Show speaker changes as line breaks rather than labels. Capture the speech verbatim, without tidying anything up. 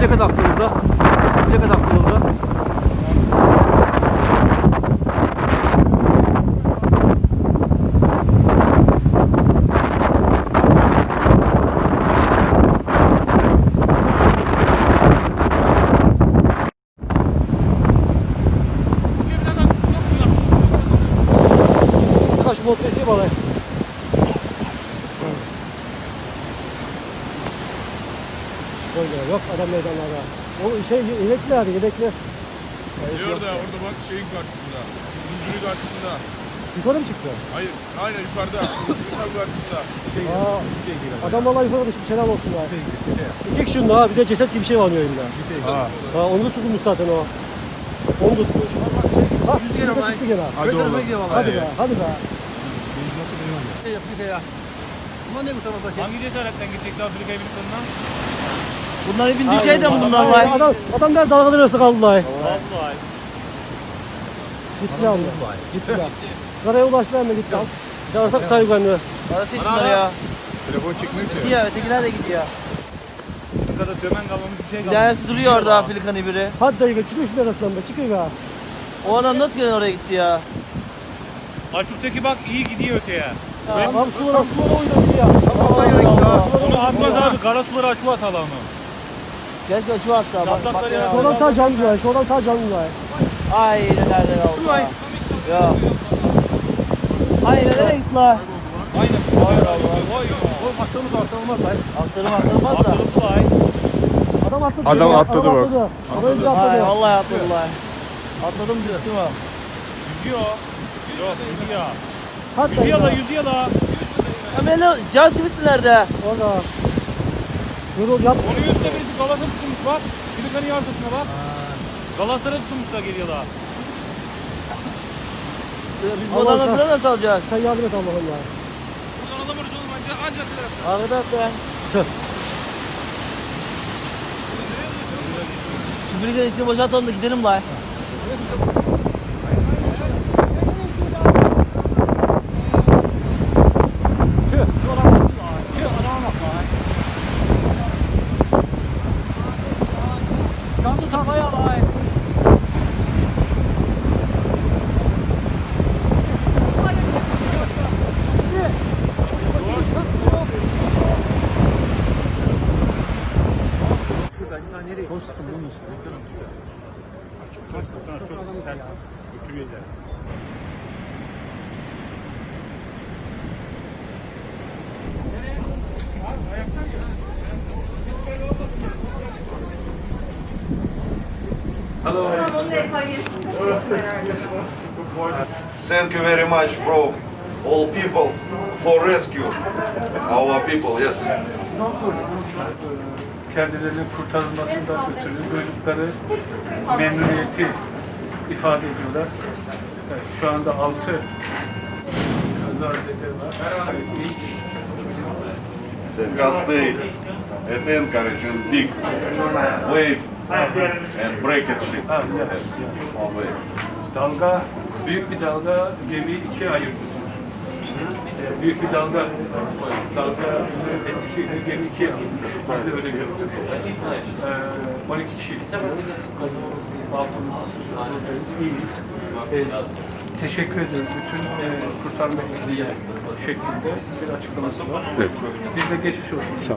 Plaka taktırıldı. Plaka taktırıldı. Şu motresi var. Yok adam meydanlarda. O şey yedekler, yedekler.
Diyor da orada bak şeyin karşısında. Müdürü karşısında.
Yukarı mı çıktı?
Hayır, aynen yukarıda. Tam karşısında.
Aa, adam vallahi yukarı düşmüş, selam olsun ha. İlk şunda ha, bir de ceset gibi bir şey var önünde. Ha. Ha, onu da tutmuş zaten o. Onu tutmuş. Ha, yüz kere çıktı gene.
Hadi oğlum.
Hadi be, hadi be.
Hangi cesaretten gidecekti Afrika'ya bir konudan?
Bunların bindiği şey de mi bunlar
Adam,
var?
adam, adam der dalgalar arasında kaldılar.
Vallahi.
Gitti abi. Gittiler. Karaya ulaştılar mı gitti. Çağırsak saygı bende.
Arası şunları ya.
Telefon çıkmıyor ki.
Gidiyor, ötekiler de gidiyor.
Afrika'da sömen kalmamış bir şey
Bir
kalmamış.
tanesi duruyor orada Afrikan'ı biri.
Hadi dayı çıkıyor şimdi arasından be, çıkıyor be.
O adam nasıl gelen oraya gitti ya?
Açıktaki bak iyi gidiyor öteye.
Abi sulara sulara oynadı ya.
Onu atmaz abi. Kara suları açı at alanı.
Keşke açı attı. Bak, bak
Çatlakları
ya.
ya.
Şuradan ta canlılar, şuradan ta canlılar.
Ay nereden oldu? Ya. Ay nereye gitti lan?
Aynen. Hayır abi. Vay ya.
Oğlum attığımız atılmaz lan.
Attırım attırmaz da.
Atıldı ay.
Adam atladı.
Adam
ya,
atladı bak.
Atladı. Adam önce
Ay
atladı.
vallahi atladılar. Atladım düştüm ha.
Yüzüyor. Yok yüzüyor.
Hadi dayı
Yüzüyor la
be.
yüzüyor la.
Ya beni can simit nerede?
Orada. Yorul yap.
Onun üstüne birisi galası tutmuş bak. Afrika'nın arkasına bak. Galasları tutmuşlar geliyor la.
Biz bu adamla falan nasıl alacağız?
Sen yardım et Allah'ım ya.
Buradan alamıyoruz oğlum anca ancak tarafta.
Arkada at be.
Tüh.
Şu Afrika'nın içini boşaltalım da gidelim lan.
Tüh. Şu adam bak. Tüh adama bak lan. Canlı takaya alay.
Thank you very much from all people for rescue our people. Yes.
Kendilerinin kurtarılmasından ötürü duydukları memnuniyeti ifade ediyorlar. Evet, şu anda altı kazazede var.
Just stay at anchorage and big wave and break it ship.
Ha, ya,
Yes.
ya.
One way.
Dalga, büyük bir dalga gemiyi ikiye ayırdı. Ee, büyük bir dalga, dalga etkisiyle gemi ikiye ayırmış. Biz de öyle gördük. Ee, on iki kişi altımız, buradayız, iyiyiz. Ee, teşekkür ederiz bütün e, kurtarma ekibine şeklinde bir açıklaması var. Biz de geçmiş olsun.